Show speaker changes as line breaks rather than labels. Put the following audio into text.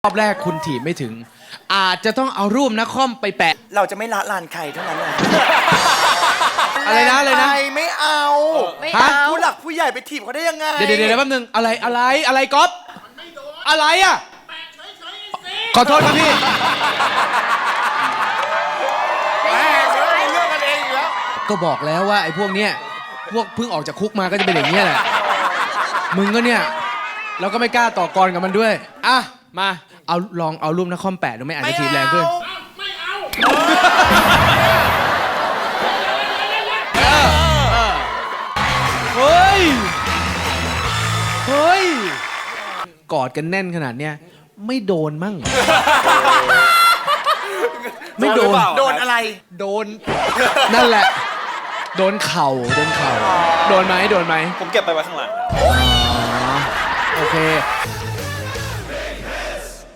รอบแรกคุณถีบไม่ถึง อาจจะต้องเอารูปนักคอมไปแปะ
เราจะไม่ละลานใครเท่านั้นเลย
อะไรนะอะไรนะ
ไม่เอา
ไม่
ฮะ
เอา
ผู้หลักผู้ใหญ่ไปถีบเขาได้ยังไง
เดี๋ยวแป๊บนึงอะไรก๊อฟอะไรอ่ะขอโทษครับพี่
เรื่องกันเองอยู่แล้ว
ก็บอกแล้วว่าไอ้พวกเนี้ยพวกเพิ่งออกจากคุกมาก็จะเป็นอย่างนี้ยแหละมึงก็เนี่ยเราก็ไม่กล้าต่อกรกับมันด้วยอ่ะมาลองเอารูปนักคอมแปะดูไหมอาจจะถีบแรงขึ้นเฮ้ยกอดกันแน่นขนาดเนี้ยไม่โดนมั่งไม่โดน
โดนอะไร
โดนนั่นแหละโดนเข่าโดนไหม
ผมเก็บไปไว้ข้างหลัง
โอเค